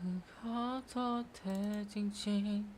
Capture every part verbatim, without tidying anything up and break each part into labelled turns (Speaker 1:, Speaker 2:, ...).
Speaker 1: ขอโทษเธอจริงๆ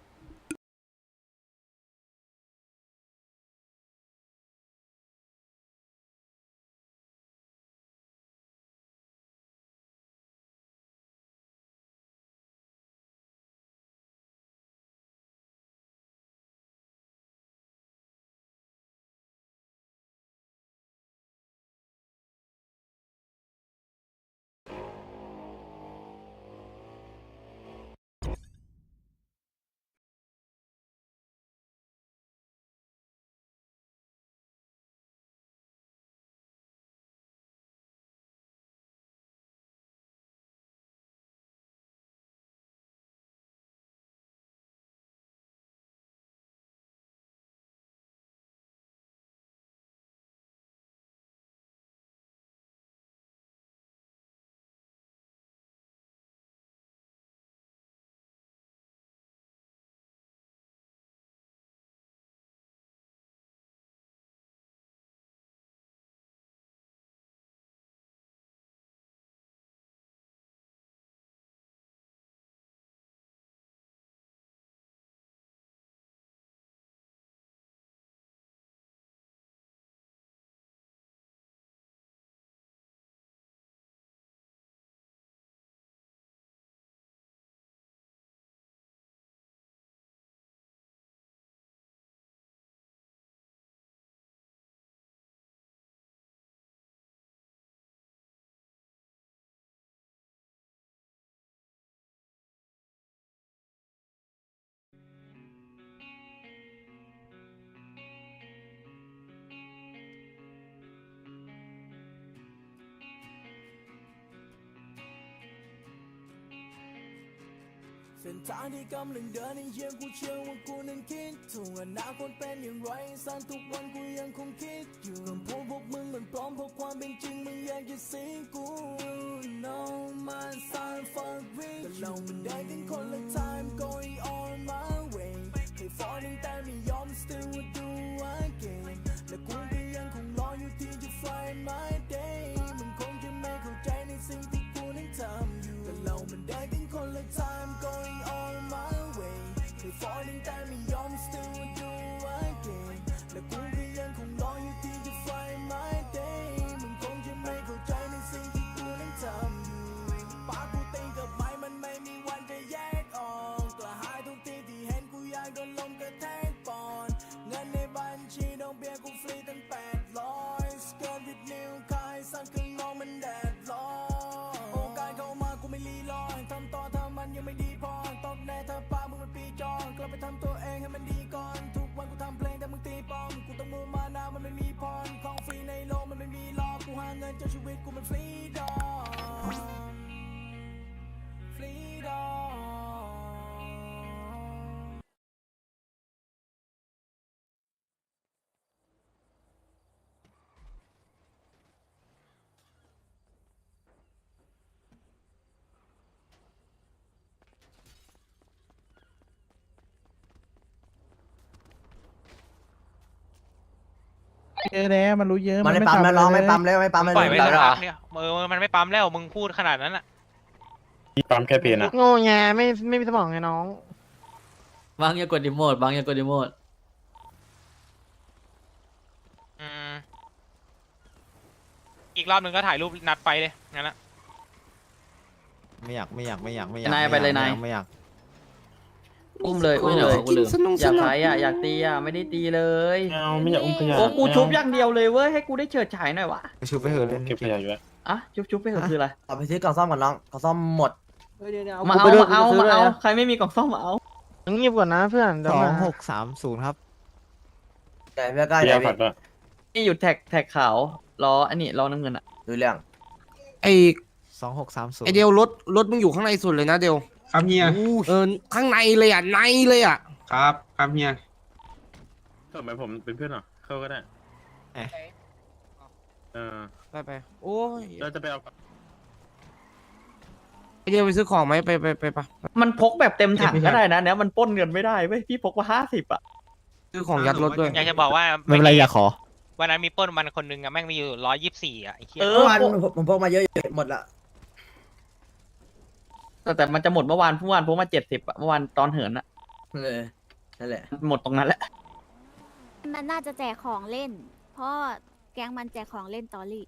Speaker 2: เส้นทางที่กำลังเดินในเยี่ยมกูเชื่อว่ากูนั้นคิดถูกอนาคตเป็นอย่างไรสั้นทุกวันกูยังคงคิดอยู่คำพูดพวกมึงมันปลอมเพราะความเป็นจริงมึงอยากจะสิงกู No man sign for real แต่เรามันได้กันคนละ time going on my way เคย falling แต่ไม่ยอม still would do again และกูก็ยังคงรออยู่ที่จะ find my day มึงคงจะไม่เข้าใจในสิ่งที่กูนั้นทำอยู่แต่เรามันได้กันคนละ time going on my way เคย falling แต่ไม่ยอม still would do again และกูก็ยังคงรออยู่ที่จะ find my day มึงคงจะไม่เข้าใจในสิ่งที่กูนั้นทำอยู่ปากกูตีกับไม้มันไม่มีวันจะแยกออกกระหายทุกทีที่เห็นกูอยากโดนลมกระแทกปอนเงินในบัญชีดอกเบี้ยกูฟรีตั้งแปดร้อยสเกิร์ตวิดนิ้วคายสั่งข้างนอกมันแดดร้อนโอกาสเข้ามากูไม่รีรอทำต่อถ้ามันยังไม่ดีพอตบแน่ถ้าป้ามึงเป็นปีจองกลับไปทำตัวเองให้มันดีก่อนทุกวันกูทำเพลงแต่มึงตีปอมกูต้องมูมานามันไม่มีพรของฟรีในโลกมันไม่มีหรอกกูหาเงินจนชีวิตกูมันฟรีดอมฟรีดอม
Speaker 3: เยอะแล้วมันรู้เยอะ
Speaker 4: มันไม่ปั๊มแล้วน้องไม่ปั๊มแล้วไม่ปั๊ม
Speaker 5: มึ
Speaker 4: แล้
Speaker 5: ง
Speaker 4: ว
Speaker 5: ปล่อยไว้สักพักเนี่ยเออมันไม่ปั๊มแล้วมึงพูดขนาดนั้นอ่ะ
Speaker 6: ปั๊มแค่เพนอะ
Speaker 3: โง่แงไม่ไม่มีสมองไงน้อง
Speaker 1: บางอย่ากดดิโมดบางอย่ากดดิโมด
Speaker 5: อืมอีกรอบหนึ่งก็ถ่ายรูปนัดไปเลยงั้นละ
Speaker 4: ไม่อยากไม่อยากไม่อยากไม่อยาก
Speaker 1: นายไปเลยนาย
Speaker 4: ไม่อยาก
Speaker 1: อุ้มเลยอุ้มเลยอุ้มเลยอยากไฟอ่ะอยากตีอ่ะไม่ได้ตีเลย
Speaker 6: ไม่เอาไม่อยากอุ้มขยะ
Speaker 1: โอ้กู
Speaker 6: ไม่เา
Speaker 1: ชุบอย่างเดียวเลยเว้ยให้กูได้เฉิดฉายหน่อยวะ
Speaker 4: ไปชูไปเถอะเล่น
Speaker 6: เก็บขยะอยู่แล้ว
Speaker 1: อ่ะชุบชุบไปเถอะคืออะไร
Speaker 4: เอาไปซื้อกล่องซ่อมก่อนน้องกล่องซ่อมหมด
Speaker 1: มาเอามาเอามาเอาใครไม่มีกล่องซ่อมมาเอา
Speaker 3: เงียบก่อนนะเพื่อนเดี๋ยว
Speaker 7: สอ
Speaker 3: มาง
Speaker 7: หกสามศูนย์ครับ
Speaker 4: ใหญ่ไม่ใกล้
Speaker 6: ข
Speaker 4: ใหญ่
Speaker 6: ยะผัดป่ะ
Speaker 1: นี่อยู่แท็กแท็กขาวล้ออันนี้ล้อน้ำเงินอ่ะ
Speaker 4: ดูเรื่อง
Speaker 8: ไอ
Speaker 7: สองหกสามศูน
Speaker 8: ไอ
Speaker 7: ย์
Speaker 8: เดียวรถรถมึงอยู่ข้างในสุดเลยนะเดียว
Speaker 9: ครับเฮีย
Speaker 8: เออข้างในเลยอ่ะในเลยอ่ะ
Speaker 9: ครับครับเฮีย
Speaker 6: ทำไมผมเป็นเพื่อนเหรอเข้าก็ได้เออ
Speaker 8: ไปไปโอ้ย
Speaker 6: เราจะไปเอา
Speaker 8: ไอเดียวไปซื้อของไหมไปไปไปไป
Speaker 1: มันพกแบบเต็มถังก็ได้นะเนี่ยมันปล้นเงินไม่ได้เว้ยพี่พกมาห้าสิบอ่ะ
Speaker 8: ซื้อของยัดรถด้วย
Speaker 5: อยากจะบอกว่า
Speaker 7: ไม่เป็นไรอย่าขอ
Speaker 5: วันนั้นมีปล้นมันคนหนึงอะแม่งมีอยู่ร้อยยี่สิบสี่อะไอ้เหี้ย
Speaker 1: เออ
Speaker 4: เมื่อวานผมผมพกมาเยอะๆหมดละ
Speaker 1: แต่แต่มันจะหมดเมื่อวานเมื่อวานพวกมาเจ็ดสิบอะเมื่อวานตอนเหินอะ
Speaker 4: เออนั่นแหละ
Speaker 1: หมดตรงนั้นแหละ
Speaker 9: มันน่าจะแจกของเล่น เพราะแก๊งมันแจกของเล่นตอรี่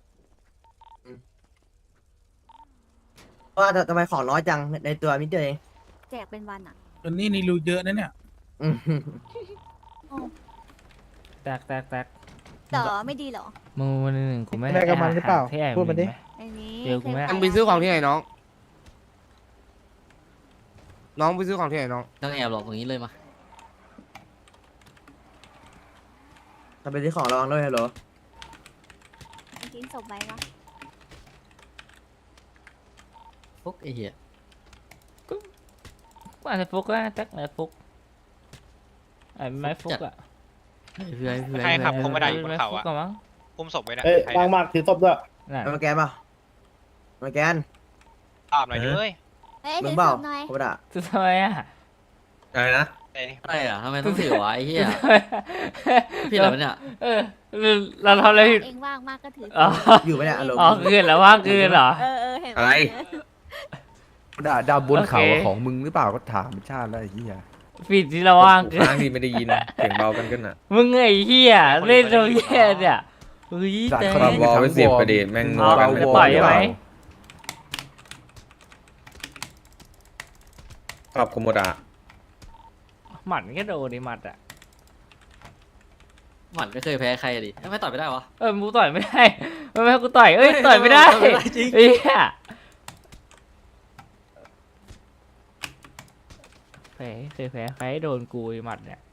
Speaker 4: ว่าทำไมของน้อยจังในตัวมิเตอร์เอง
Speaker 9: แจกเป็นวันอ่ะ
Speaker 3: วันนี้นี่รู้เยอะนะเนี่ย
Speaker 4: อืม
Speaker 10: แตกแตกแตก
Speaker 9: ต่อไม่ดีเหรอ
Speaker 10: มึงวันหนึ่งกูไม่
Speaker 3: ได้กับมันหรือเปล่า
Speaker 10: ที่แอบ
Speaker 3: พูดมาดิ
Speaker 10: ไห
Speaker 9: อันนี้
Speaker 10: เดี๋ยวกูไม่
Speaker 8: มึงไปซื้อของที่ไหนน้อง น้องไปซื้อของที่ไหนน้อง
Speaker 1: ต้องแอบหลอกอย่างนี้เลยมา
Speaker 4: ทำเป็นที่ของระวังด้วยฮัลโหล
Speaker 9: ทิ้งศพไว้ปะ
Speaker 1: ฟุกไอ้เหี้ย
Speaker 10: กูอาจจะฟุกก็ได้แตกไหนฟุกไอ้ไม่ฟุกอะ
Speaker 1: เพื่อนเพื่อน
Speaker 5: ใครขับคงไม่ได้อยู่บนเขา
Speaker 10: ฟุก
Speaker 5: อะ
Speaker 10: ก็มั้ง
Speaker 5: อุ้มศพไว้นะ
Speaker 3: เอ้ย
Speaker 5: ใคร
Speaker 3: วาง
Speaker 5: เนี่ย
Speaker 3: มากถือศพด้วย
Speaker 10: น่ะ
Speaker 4: มาแกนเปล่ามาแกน
Speaker 5: ตอบหน่อยดิเว้ย
Speaker 9: เอ้ย
Speaker 4: มึ
Speaker 9: ถื
Speaker 4: ง
Speaker 9: อ
Speaker 4: เปล่า
Speaker 9: ศพหน่อย
Speaker 4: โคบดะ
Speaker 10: คือทำไมอะ
Speaker 6: อะไรนะ
Speaker 5: เอ้ย
Speaker 1: อะไรอ่ะทำไมต้องถือวะไอ้เหี้ยพี่อะไรวะเนี่ย
Speaker 10: เออเราทำอะไรผิด
Speaker 9: เองว่างมากก็ถือ
Speaker 10: อ๋อ
Speaker 4: อยู่ไหมเนี่ยฮัลโหล
Speaker 10: อ๋อคืนแล้วว่างคืนเหรอ
Speaker 9: เออเออเห็นหม
Speaker 6: อะไร
Speaker 7: ด่าดาวบนเขา
Speaker 10: โอเค
Speaker 7: ของมึงหรือเปล่าก็ถามชาติแล้วไอ้เหี้ย
Speaker 10: ผิดที่เราว่างคืน
Speaker 6: ค้างดีไม่ได้ยินเสียงเบากันกันอ่ะ
Speaker 10: มึงไอ้เหี้ยเล่นตรงเหี้ยเนี่ยเฮ้ย
Speaker 7: จาก
Speaker 10: แต่
Speaker 7: ค
Speaker 6: ปรับวอลไปเสียบประเด็นแม่งนัวกัน
Speaker 10: เอา
Speaker 6: เลย
Speaker 10: จะต่อยใช่ไหม
Speaker 6: ปรับโคโมดะ
Speaker 10: หมัดก็โดนดิหมัดอะ
Speaker 1: หมันไม่เคยแพ้ใครดิไม่ต่อยไม่ได้วะ
Speaker 10: เออกูต่อยไม่ได้ไม่ไม่ให้กูต่อยเอ้ยต่อยไม่ได้
Speaker 1: ต่อยไม่ได้จริง
Speaker 10: เหี้ยแพ้เคยแพ้ใครโดนกูไอ้หมัดเนี่ย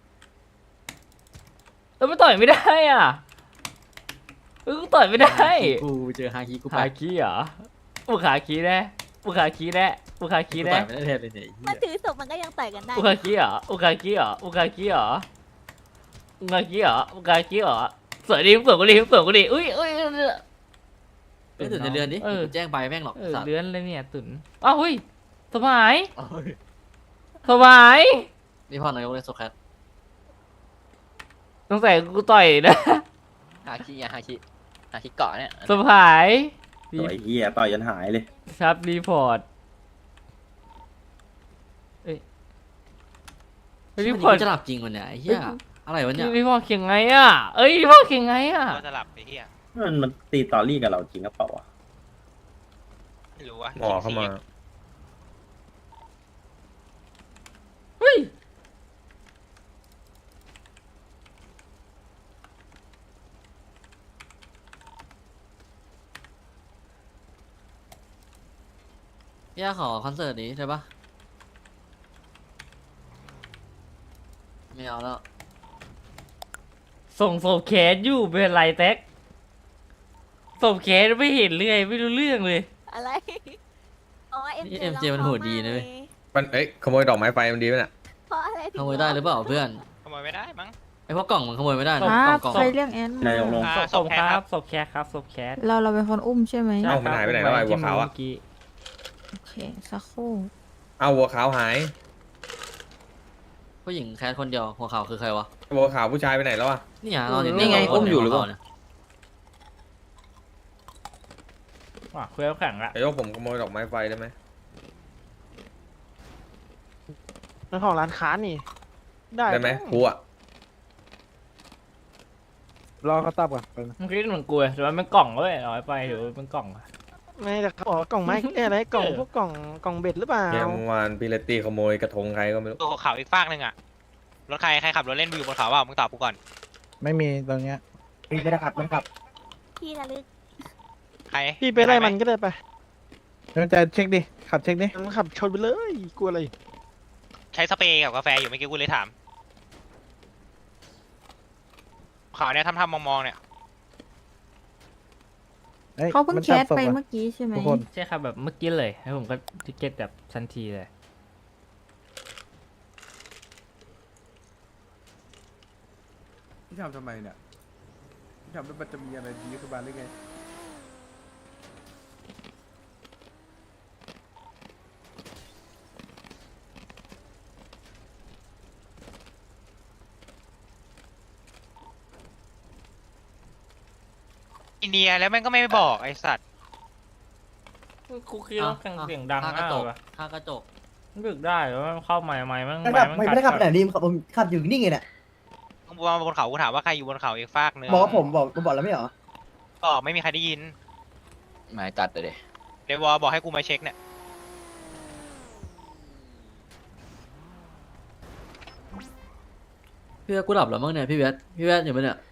Speaker 10: เออมันต่อยไม่ได้อ่ะเออกูต่อยไม่ได้
Speaker 1: กูเจอฮาคิกูไป
Speaker 10: ขาคีเหรอปุขาคีแน่ปุขาคีแน่ปุขาคี
Speaker 1: กู
Speaker 10: แน่
Speaker 1: ต่อยไม่ได้แทนเลยเนี่ยไอ้
Speaker 9: มั
Speaker 1: เหี้
Speaker 9: น
Speaker 1: ย
Speaker 9: ถือศพมันก็ยังต่อยกันได้
Speaker 10: ปุขาคีเหรอปุขาคีเหรอปุขาคีเหรอปุขาคีเหรอปุขาคีเหรอสวยดิสวยกูดิสวยกูดิอุ้ยอุ้ย
Speaker 1: ไม่ถึงในเรือนดิ
Speaker 10: เออ
Speaker 1: กูแจ้งไปแม่งหรอก
Speaker 10: เออ
Speaker 1: สัตว์
Speaker 10: เลื้อนเลยเนี่ยตุ่นอ้าวเฮ้ยสบาย
Speaker 1: เอ้ย
Speaker 10: สบาย
Speaker 1: นี่พ่อนายกเลยโซแคท
Speaker 10: สงสัยกูต่อยนะ
Speaker 1: ฮาคิอะฮาคิฮาคิเกาะเนี่ย
Speaker 10: สบาย
Speaker 6: ต่อยเหี้ยต่อยยันหายเลย
Speaker 10: ครับรีพอร์ตเอ้ย
Speaker 1: รี
Speaker 10: รี
Speaker 1: พ
Speaker 10: พ
Speaker 1: อ
Speaker 10: อ
Speaker 1: ร์
Speaker 10: ร์
Speaker 1: ต
Speaker 10: ต
Speaker 1: จะหลับจริงวันเนี่ยไอ้เหี้ยอะไรวะเนี่ย
Speaker 10: รีพอร์ตเขียงไงอ่ะเอ้ยรีพอร์ตเขียงไงอ่ะ
Speaker 5: ก็จะหลับไปเฮีย
Speaker 6: มันมันตีตอรี่กับเราจริงหรือเปล่าวะ
Speaker 5: ไม่รู้ว่า
Speaker 6: หมอเข้ามา
Speaker 10: เฮ้ย
Speaker 1: พี่ขอคอนเสิร์ตนี้ใช่ปะไม่เอาแล้ว
Speaker 10: ส่งศพแขนอยู่เป็นไรแท็กศพแขนไม่เห็นเลยไม่รู้เรื่องเลย
Speaker 9: อะไรอ๋อเอ็ม
Speaker 1: นี่เอ็มเจมันโหดดีนะเว้ย
Speaker 6: มันเอ้ยขโมยดอกไม้ไฟมันดีไหมน่ะ
Speaker 9: เพราะอะไรถึง
Speaker 1: ขโมยได้หรือเปล่าเพื่อน
Speaker 5: ขโมยไม่ได้มั้ง
Speaker 1: ไอ้พวกกล่องมันขโมยไม่ได้นะ
Speaker 10: ค
Speaker 1: ก
Speaker 10: รั
Speaker 1: ล่อบ งกล่อง
Speaker 10: ใคร
Speaker 3: เรียกแอน
Speaker 6: นายกลง
Speaker 5: อ่า
Speaker 10: ศพ
Speaker 5: ศพแค
Speaker 10: ค
Speaker 5: ท
Speaker 10: รั
Speaker 5: ครับ บ
Speaker 10: ศพแคทครับศพแคท
Speaker 3: เราเราเป็นคนอุ้มใช่ไหม
Speaker 10: ใช่
Speaker 6: เอ้ามันหายไปไหนแล้วไอ้หัวขาวอะ
Speaker 10: เมื่กี้
Speaker 3: โอเคสักครู่
Speaker 6: เอาวัวขาวหาย
Speaker 1: ผู้หญิงแคสคนเดียวหัวขาวคือใครวะ
Speaker 6: วัวขาวผู้ชายไปไหนแล้ววะ
Speaker 1: นี่ไงนอนอยู่
Speaker 10: นี่ไง
Speaker 1: เตี
Speaker 10: อุ้มอยู่
Speaker 1: หัว
Speaker 10: หรือเปล่า
Speaker 1: ขาวนี่ย
Speaker 10: ว่ะคุยแล้วแข่งละ
Speaker 6: ไอ้ยกผมขโมยดอกไม้ไฟได้ไหม
Speaker 3: เป็นของร้านค้านี่ ได้
Speaker 6: ได้ไหมครูอ่ะ
Speaker 3: รอเขาตอบก่อน
Speaker 10: เมื่อกี้เหมือนกูเลยแต่ว่าเป็นกล่องเลยเอาไปเดี๋ยวเป็นกล่องอะ
Speaker 3: ไม่แต่เขาบอกว่ากล่องไม้เอ้ยอะไรกล่องพวกกล่องกล่องเบ็ดหรือเปล่า
Speaker 6: เนี่ยเมื่อวานพี่เลตตี้ขโมยกระทงใครก็ไม่รู้
Speaker 5: ตัวขาวอีกฟากหนึ่งอะรถใครใครขับรถเล่นอยู่บนเขาว่ามึงตอบกูก่อน
Speaker 3: ไม่มีตรงเนี้ย
Speaker 4: พี่ไม่ได้ขับมันขับ
Speaker 9: ที่ระลึก
Speaker 5: ใคร
Speaker 3: พี่ไปไล่มัน
Speaker 5: ห
Speaker 3: ก็ได้ไปเดี๋ยวจะเช็คดิขับเช็คดิมันขับชนไปเลยกลัวอะไร
Speaker 5: ใช้สเปรย์กับกาแฟอยู่เมื่อกี้กูเลยถามขาวเนี่ยทำทำมองๆเนี่ย
Speaker 3: อ้ย
Speaker 11: เขาเพิ่ง
Speaker 3: มัน
Speaker 11: แค
Speaker 3: จับ
Speaker 11: ส
Speaker 3: ศพ
Speaker 11: ไป
Speaker 3: อะ
Speaker 11: เมื่อกี้ใช่ไหม
Speaker 3: ทุกคน
Speaker 10: ใช่ครับแบบเมื่อกี้เลยแล้วผมก็ทิเก็ตแบบทันทีเลย
Speaker 7: พี่ทำทำไมเนี่ยพี่ทำแล้วมันจะมีอะไรดีขึ้นมาหรือไง
Speaker 5: อินเดียแล้วแม่งก็ไม่บอกไอสัตว์
Speaker 10: คุกคีแล้วเสียงดัง
Speaker 1: ข้างก
Speaker 10: มา
Speaker 1: ระ
Speaker 10: ก
Speaker 1: จ
Speaker 10: เล
Speaker 1: ก
Speaker 10: ยว่ะ
Speaker 1: ข้างกระจก
Speaker 10: บึกได้แล้วมันเข้าใหม่ใหม่มัน
Speaker 4: ไม่
Speaker 10: ใหม่
Speaker 4: ขับ
Speaker 10: มัน
Speaker 4: ไม่ไม่ได้ขับไปไหน
Speaker 10: กัด
Speaker 4: ดิมขับผมขับอยู่นี่ไงเนี่ย
Speaker 5: มึงมาบนเขากูถามว่าใครอยู่บนเขาอีกฟากนึง
Speaker 4: บอกว่าผมบอกผมบอกแล้วไม่เหรอ
Speaker 5: ก็ไม่มีใครได้ยิน
Speaker 1: หมายจัดเลย
Speaker 5: เดวอลบอกให้กูมาเช็คเนี่ย
Speaker 1: พี่เวทกูหลับแล้วมั้งเนี่ยพี่เวทพี่เวทอยู่ปะเนี่ย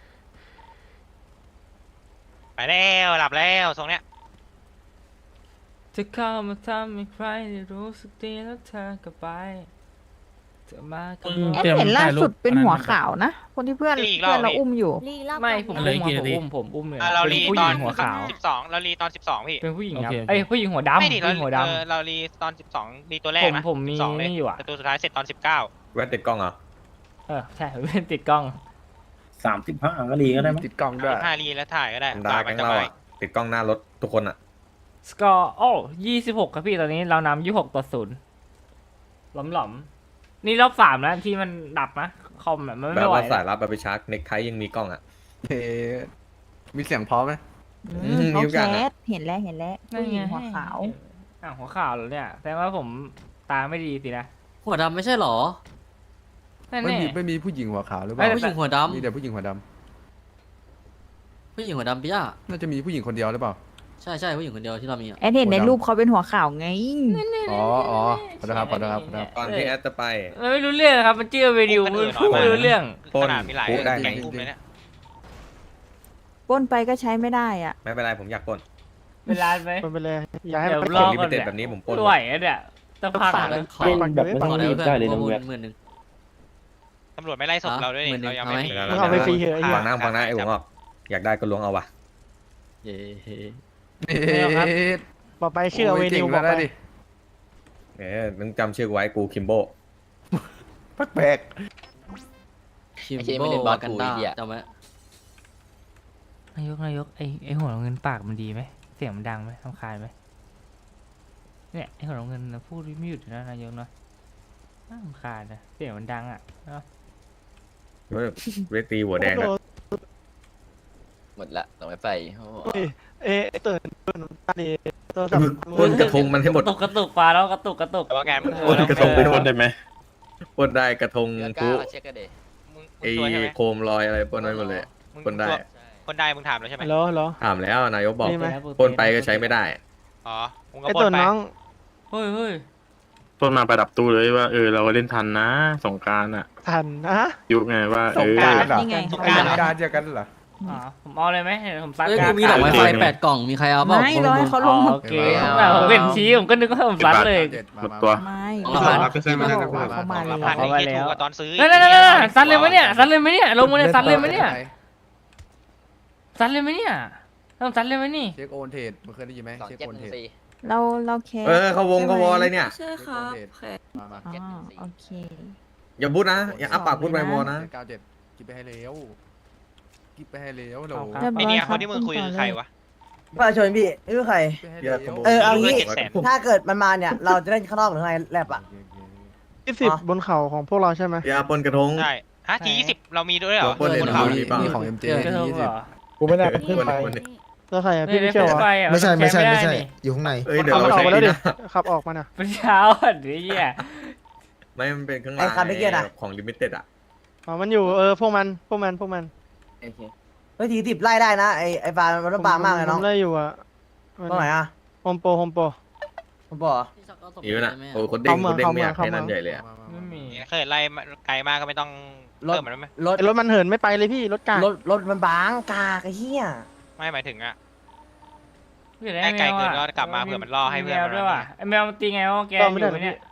Speaker 5: ไปแล้วหลับแล้วทรงเนี้ย
Speaker 10: จะเข้ามาทำให้ใครได้รู้สึกดีแล้วเธอก็ไปเธอมาก็
Speaker 11: เอ็มเห็นล่าสุดเป็นหัวขาวนะ คนที่เพื่อน
Speaker 5: อีกรอบ
Speaker 11: เพื่อนเราอุ้มอยู่
Speaker 9: รีรอบ
Speaker 10: ไม่
Speaker 9: ก่อน
Speaker 10: ผม
Speaker 9: ไห
Speaker 10: อุ้มผมอุ้มผมอุ้มเลย
Speaker 5: อ่ะเรา
Speaker 10: เป็น
Speaker 5: รี
Speaker 10: ผู้
Speaker 5: ต
Speaker 10: ห
Speaker 5: อ
Speaker 10: ญิ
Speaker 5: น
Speaker 10: งหัวขาว
Speaker 5: สิบสองเรารีตอนสิบสองพี่
Speaker 10: เป็นผู้หญิงครับเอ้ยผู้หญิงหัวดำ
Speaker 5: ไม่ดิเรา
Speaker 10: ผู้หญิงหัวด
Speaker 5: เออเรารีตอนสิบสองรีตัวแรก
Speaker 10: ผม
Speaker 5: นะ
Speaker 10: ผมมี
Speaker 5: สิบสองเลย
Speaker 10: นี่อยู่อะ
Speaker 5: แต่ตัวสุดท้ายเสร็จตอนสิบเก้า
Speaker 6: แว่นติดกล้องเหรอ
Speaker 10: ำเออใช่ผมเป็นติดกล้อง
Speaker 3: สามสิบห้าก็รีก็ได้มั้ย
Speaker 7: ติดกล้องด้วย
Speaker 5: ห้ารีแล้วถ่ายก็ได้
Speaker 6: ธรรมดาแก๊งเราอ่ะ ติดกล้องหน้ารถทุกคนอ่ะ
Speaker 10: สกอร์โอ้ยี่สิบหกครับพี่ตอนนี้เรานำยี่หกต่อศูนย์หลอมหลอมๆนี่รอบสามแล้วที่มันดับนะคอมแบบมัน
Speaker 6: แบ
Speaker 10: ไม่
Speaker 6: บ
Speaker 10: ไหว
Speaker 6: ว่าสาย
Speaker 10: แล้ว
Speaker 6: ลับแบบไปชาร์จเน็กไทยังมีกล้องอ่ะ
Speaker 7: เอ๊ะมีเสียงพร้อมไหม
Speaker 11: อื
Speaker 6: อื
Speaker 11: ม
Speaker 6: ม
Speaker 11: เขา
Speaker 6: มีทุก
Speaker 11: แค
Speaker 6: อย่างอะ
Speaker 11: สเห็นแล้วเห็นแล้ว
Speaker 10: นั่น
Speaker 11: ผู้หญิ
Speaker 10: ไง
Speaker 11: งหัวขาว
Speaker 10: อ่ะหัวขาวเหรอเนี่ยแสดงว่าผมตาไม่ดีสินะ
Speaker 1: หัวดำไม่ใช่หรอ
Speaker 10: นั่น
Speaker 7: ไม่
Speaker 10: แน่
Speaker 7: มีไม่มีผู้หญิงหัวขาวหรือเป
Speaker 10: ไม่
Speaker 7: ล่า
Speaker 1: ผู้หญิงหัวด
Speaker 7: มีแต่ผู้หญิงหัวด
Speaker 1: ำผู้หญิงหัวดำพี่ย่า
Speaker 7: ำน่าจะมีผู้หญิงคนเดียวหรือเปล่า
Speaker 1: ใช่ใช่ผู้หญิงคนเดียวที่เรามีอ่ะ
Speaker 11: แอนเห็นในรูปเขาเป็นหัวขาวไง
Speaker 7: อ๋ออ๋อขอโทษครับขอโทษครับขอโทษครับ
Speaker 6: ตอนที่แอดจะไป
Speaker 10: มันไม่รู้เรื่องครับมันเชื่อวิดีโอมันพูดไม่รู้เรื่อง
Speaker 6: ปล้น
Speaker 5: ขนาดมีหลาย
Speaker 6: ปุ๊ได้
Speaker 5: แก๊งกลุ่มเลยเนี่ย
Speaker 11: ปล้นไปก็ใช้ไม่ได้อ่ะ
Speaker 6: ไม่เป็นไรผมอยากปล้น
Speaker 10: เป็นร้านไหม
Speaker 3: มันไปเลยอย่าให้
Speaker 10: เดี๋ยว
Speaker 3: มัน
Speaker 10: รอ
Speaker 6: ลิ
Speaker 10: ก่
Speaker 6: มิ
Speaker 10: อน
Speaker 6: เต็ด
Speaker 10: เนี่ย
Speaker 6: แบบนี้ผมปล้น
Speaker 10: ไหวอะเนี่ยจะพัง
Speaker 1: ขอ
Speaker 10: เล
Speaker 1: ได้
Speaker 10: ย
Speaker 1: ขอขอได้เพื่อนประมูลหมื่นหนึ่ง
Speaker 5: ตำรวจไม่ไล่ศพเราด้วย
Speaker 1: หมื่
Speaker 5: นี่
Speaker 1: นหนึ่
Speaker 5: เรา
Speaker 1: ง
Speaker 5: ยังไม่
Speaker 1: เอาไหม
Speaker 5: มี
Speaker 3: มึงเอาไปฟรีเหอะไอ้เหี้ย
Speaker 6: ฟังนะฟังนะไอ้หัวงอกอยากได้ก็ล้วงเอาว่ะ
Speaker 1: เย้
Speaker 7: เอ๊ะ
Speaker 3: บอกไปชื่อเอาเวนิว
Speaker 7: โย
Speaker 3: บอก
Speaker 7: เจ๋ง
Speaker 3: ไป
Speaker 7: แล้วดิ
Speaker 6: เอ๊ะมึงจำชื่อกูไว้กูคิมโบ
Speaker 7: แปลก
Speaker 1: คิมโบวากันดาจำไว้
Speaker 10: นายกนายกไอไอหัวเงินปากมันดีไหมเสียงมันดังไหมทำคายไหมเนี่ยไอหัวเงินนะพูดไม่หยุดนะนายกเนาะน่ารำคาญนะเสียงมันดังอ่ะเนาะ
Speaker 6: เว้ยเวทีหัวแดงนะ
Speaker 1: หมดละต้องไปไป
Speaker 3: เอ๊ะตื่นตื่นตาดีโทรศัพ
Speaker 6: มึง
Speaker 3: ท์
Speaker 6: ปล้นกระทงมันให้หม
Speaker 10: ก
Speaker 6: ด
Speaker 10: ระตุกกระตุกปลาแล้วกระตุกกระตุก
Speaker 5: แต่ว่าแกมึง
Speaker 6: ปล้นกระทงไป
Speaker 5: เออ
Speaker 6: ปล้นได้ไหมปล้นได้กระทง
Speaker 1: เดือน
Speaker 6: กู
Speaker 1: เก้าเช็คกันเด
Speaker 5: มึง
Speaker 6: ไอ้
Speaker 5: มึงตัวใช่ไหม
Speaker 6: โคมลอยอะไรปล้นได้หมดเลย
Speaker 5: มึง
Speaker 6: ปล้นได้
Speaker 5: ตัวคนได้มึงถามแล้วใช่ไหม
Speaker 3: ฮัลโหลฮัลโหล
Speaker 6: ถามแล้วนายกบอก
Speaker 3: นี่ไหม
Speaker 6: ปล้นไปก็ใช้ไม่ได้
Speaker 5: อ๋อมึงก็
Speaker 3: ไอ้
Speaker 5: ปล้
Speaker 3: ตัวน
Speaker 5: ไป
Speaker 3: น้อง
Speaker 10: เฮ้ยเฮ้ย
Speaker 6: ปล้นมาประดับตู้เลยว่าเออเราเล่นทันนะสงการอ่ะ
Speaker 3: ทันนะ
Speaker 6: ยุคไงว่า
Speaker 7: ส
Speaker 6: เอง อ
Speaker 7: กรารเหรอ
Speaker 11: นี่ไง
Speaker 7: ไอ้สงกรารเจอกันเหรอ
Speaker 10: อ๋อผมเอาเลยไหมเดี๋ยวผมซัด
Speaker 1: เอ้ย
Speaker 10: กลา
Speaker 1: กู
Speaker 10: ง
Speaker 1: มีดอกไม้ไฟแปดกล่องมีใครเอาเปล่า
Speaker 11: ไม่ร้อยเขาลง
Speaker 10: อ๋อ
Speaker 11: มา
Speaker 10: โอเคแต่ผมเห็นชี้ผมก็นึกว่าผมซัดเลย
Speaker 6: หมดตัว
Speaker 11: ไม่
Speaker 1: ของเราผ่าน
Speaker 11: ที่บอกว่าเขามา
Speaker 5: เรา
Speaker 11: เลย
Speaker 5: ผ่าน
Speaker 10: เอา
Speaker 5: ไอ้
Speaker 10: ไว้
Speaker 5: ที่
Speaker 10: แล้ว
Speaker 5: ถูกกว่าตอนซื้อ
Speaker 10: นั่นนั่นนั่นซัดเลยไหมเนี่ยซัดเลยไหมเนี่ยลงมาเนี่ยซัดเลยไหมเนี่ยซัดเลยไหมเนี่ยต้องซัดเลยไหมนี่
Speaker 7: เช็คโอนเทรดมึงเคยได้ยินไหม
Speaker 1: สอง
Speaker 7: เช็ค
Speaker 1: เจ็ด
Speaker 7: โอน
Speaker 1: ห
Speaker 7: เท
Speaker 1: นึ่
Speaker 7: รง ด
Speaker 1: สี่
Speaker 11: เราเราแคส
Speaker 6: เออเขาวงเขาวออะไรเนี่ย
Speaker 11: ใช่ครับ
Speaker 7: มามา
Speaker 11: อ๋อโอเค
Speaker 6: อย่าพูดนะอย่าอัปปากพูดไปวอนะ
Speaker 7: เจ็ดเก้าเจ็ดกิบไปให้เร็วกิบไปให้เร็วโหล
Speaker 10: เอาครับ
Speaker 11: เรียบ
Speaker 5: ไอ
Speaker 11: ร้อย
Speaker 5: เนี่ย
Speaker 11: ค
Speaker 5: ครับ นที่มึงคุยคือใครวะ
Speaker 4: ประชาชนพี่ไม่รู้ใคร
Speaker 7: กิบไปให้
Speaker 6: เดี๋ยว
Speaker 7: เร็ว
Speaker 4: เออเอางี้
Speaker 5: เจ็ดแสน
Speaker 4: ถ้าเกิดมันมาเนี่ย เราจะเล่นข้างนอกหรือไงแลบอ่ะ
Speaker 3: ยี่สิบบนเขาของพวกเราใช่ไหม
Speaker 6: อย่าปล้นกระทง
Speaker 5: ใช่ฮะทียี่สิบเรามีด้วยเหรอ
Speaker 6: ปล้นเลย
Speaker 5: บน
Speaker 6: นะ
Speaker 5: เขา
Speaker 7: มีมีของ เอ็ม เจ
Speaker 10: กระทง
Speaker 7: ยี่
Speaker 10: เห
Speaker 7: สิ
Speaker 10: ร
Speaker 7: บ
Speaker 10: อ
Speaker 3: กูไม่ได้
Speaker 6: คน
Speaker 3: ขึ้นไป
Speaker 6: คนนี้
Speaker 3: แล้วใครอะพี่ไม่เชื่อวะ
Speaker 10: ไม่ใช่ไม่ใช่ไม่ใช่
Speaker 8: อยู่ข้างใน
Speaker 6: เอ้ยเดี๋ยว
Speaker 3: ขับ
Speaker 6: เรา
Speaker 3: ออก
Speaker 6: ใช้
Speaker 3: มาแล้วดิ
Speaker 6: นะ
Speaker 3: ขับออกมาน่ะ
Speaker 10: เป็นเช้าอ่ะนี่อ่ะ
Speaker 6: ไม่มันเป็นข้างห
Speaker 4: ไอ้
Speaker 6: ลัง
Speaker 4: คันเมื่อกี้น่ะ
Speaker 6: ของลิมิเต็ดอ่ะ
Speaker 3: อ๋อมันอยู่เออพวกมันพวกมันพวกมัน
Speaker 4: เฮ้ยทีสิบไล่ได้นะไอ้ไอ้ปลามันต้องปลามากเลยน้อง
Speaker 3: ผมไล่อยู่อะ
Speaker 4: ตรงไหนอ่ะ
Speaker 3: โฮมโปรโฮมโปร
Speaker 4: ผมบอกเหรอ
Speaker 6: นี่มันอ่ะโอ้คนเด้ง
Speaker 3: เข้าเมื
Speaker 6: ค
Speaker 3: อง
Speaker 6: นเด้งไม่อยาก
Speaker 3: เข้า
Speaker 6: ให้
Speaker 3: เมือง
Speaker 6: นั่นใหญ่เลยอะ
Speaker 10: ไม่มี
Speaker 5: เคยไล่มาไกลมากก็ไม่ต้อง
Speaker 4: รถ
Speaker 5: เพิ่มมันไหม
Speaker 4: รถ
Speaker 3: ไอ้รถมันเหินไม่ไปเลยพี่รถกาก
Speaker 4: รถรถมันบางกากไอ้เหี้ย
Speaker 5: ไม่หมายถึงอะ
Speaker 10: ไม่ได้
Speaker 5: ไกล
Speaker 10: แมว
Speaker 5: เกิน
Speaker 10: อ่ะ
Speaker 5: ก็กลับมาเผื่อมันล่อให้เพื่อน
Speaker 10: แมว
Speaker 5: มัน
Speaker 10: ด้วยว่ะไอแมวมันตีไงวะแกอยู่ไหมเนี่ย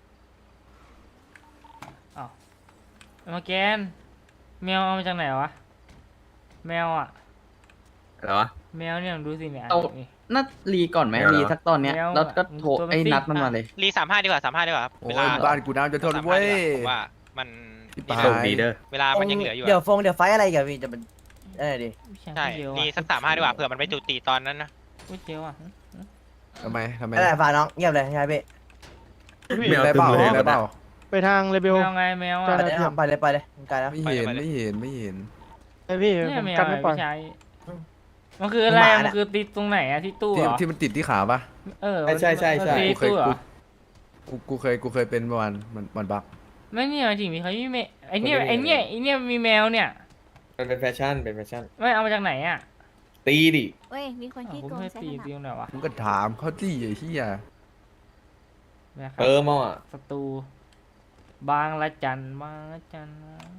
Speaker 10: อ้าวมาแกนแมวเอามาจากไหนวะแมวอ่ะ
Speaker 6: อะไรวะ
Speaker 10: แมวเนี่ยดูสิเนี่ย
Speaker 1: เอา
Speaker 10: นี่
Speaker 1: นัดรีก่อนไหม
Speaker 6: ไม่เอา
Speaker 1: รีสักตอนเนี้ย
Speaker 10: แล้ว
Speaker 1: แล้วก็โทร
Speaker 10: ตัวมัน
Speaker 1: ไอ้
Speaker 10: ซิ่ง
Speaker 1: นัดมันมาเลย
Speaker 5: รีสามห้าดีกว่าสามห้าดีกว่าครับ
Speaker 7: โอ้
Speaker 5: เวย ลา
Speaker 7: บ้านกูน้ำจะทนเว้ย
Speaker 5: ผมว่ามัน
Speaker 7: ไป
Speaker 6: โชคดีเด้อ
Speaker 5: เวลามันยังเหลืออยู่
Speaker 4: เดี๋ยว
Speaker 5: อะ
Speaker 4: ฟงเดี๋ยวไฟอะไรกันพี่จะเป็นเออดิ
Speaker 5: ใช่รีสักสามห้าดีกว่าเผื่อมันไปจุติตอนนั้นนะ
Speaker 10: ก๋วยเตี๋ยวอ่ะ
Speaker 7: ทำไมทำไม
Speaker 4: ไม่ได้ฝากน้องเงียบเลยใช่ไหมพี่
Speaker 6: ไม่เอา
Speaker 7: ได้
Speaker 6: ตึ้
Speaker 7: เปล่าง
Speaker 6: เลย
Speaker 7: ได้เปล่า
Speaker 3: ไปทางเรเบล
Speaker 10: แมวไงแมว
Speaker 3: ใช่
Speaker 10: อ่ะ
Speaker 4: ไปเลยครับไปเลยไปเลยไกลแล้ว
Speaker 7: ไม่เห็นไม่เห็นไม่เห็น
Speaker 3: ไอพี่
Speaker 10: เนี่ย
Speaker 3: ผม
Speaker 10: แมว
Speaker 3: กันไม่ปล่อย
Speaker 10: ไม่ใช่มันคืออะไร
Speaker 4: หมา
Speaker 10: อะ
Speaker 4: น่ะ
Speaker 10: มันคือติดตรงไหนอะที่ตู้
Speaker 7: ที่
Speaker 10: เหรอ
Speaker 7: ที่มันติดที่ขาปะ
Speaker 10: เออ
Speaker 3: ใช่ใช่ใช่
Speaker 10: มันติด
Speaker 7: กูเคย
Speaker 10: ตู้เหรอ
Speaker 7: กูกูกูเคยกูเคยเป็นประมาณมันมันบัก
Speaker 10: ไม่เนี่ยหมายถึงมีเขามีแมวไอเนี่ย
Speaker 3: คนที่มี
Speaker 10: ไอเนี่ยไอเนี่ยมีแมวเนี่ย
Speaker 3: มันเป็นแฟชั่นเป็นแฟชั่น
Speaker 10: ไม่เอามาจากไหนอะ
Speaker 3: ตีดิ
Speaker 9: เว้ย มีคน
Speaker 10: อ้าว
Speaker 9: ที่
Speaker 10: ผม
Speaker 9: โกง
Speaker 10: ไม่
Speaker 9: ใช้
Speaker 10: ตี
Speaker 9: ขนาด
Speaker 10: ตีตรงไหนวะ
Speaker 7: มึงก็ถามเขาที่ไอ้เหี้ย
Speaker 10: นะครับ
Speaker 3: เติมเอาอ่ะ
Speaker 10: ศัตรูบางละจันบางละจัน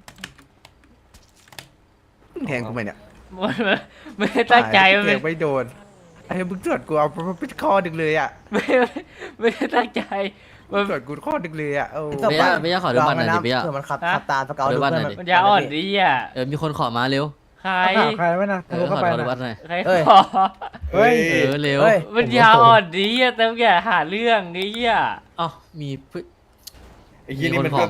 Speaker 7: มึงแทงกูไหมเนี่ย
Speaker 10: มันไม่ได้ตั้งใจ
Speaker 7: มั
Speaker 10: มัน
Speaker 7: น
Speaker 10: ไม่
Speaker 7: ไม่โดนไอ้มึงตรวจกูเอามันเป็นข้อดึงเลยอ่ะ
Speaker 10: ไม่ไม่ได้ตั้งใจมัน
Speaker 7: ตรวจกูข้อดึงเลยอ่ะเออ
Speaker 1: เบียร์เบียร์ขอดูบัตรหน่อยดิเบียร์
Speaker 4: เผื่อมันขับ
Speaker 10: ฮะ
Speaker 4: ขับตามสเกล
Speaker 1: ขอดู
Speaker 4: ดู
Speaker 1: บัตร
Speaker 4: เพื่อน
Speaker 1: หน่อยดิ
Speaker 10: มันจะอ่อนดีอ่ะ
Speaker 1: เออมีคนขอมาเร็ว
Speaker 10: ใคร
Speaker 3: ใครไม่นะ
Speaker 1: เออขอดูบัตรหน่อย
Speaker 10: ใคร
Speaker 4: เอ้ย
Speaker 10: ขอ
Speaker 3: เฮ้ย
Speaker 1: เออเร็ว
Speaker 4: เฮ้ย
Speaker 10: มันยาอ่อนดีอ่ะแต่อย่าหาเรื่องนี้อ่ะ
Speaker 1: เอ้ามีเพื่อน
Speaker 3: ไอ้ยี่
Speaker 1: มี
Speaker 3: นี่
Speaker 1: คน
Speaker 3: มัน
Speaker 1: ขอ
Speaker 3: ก็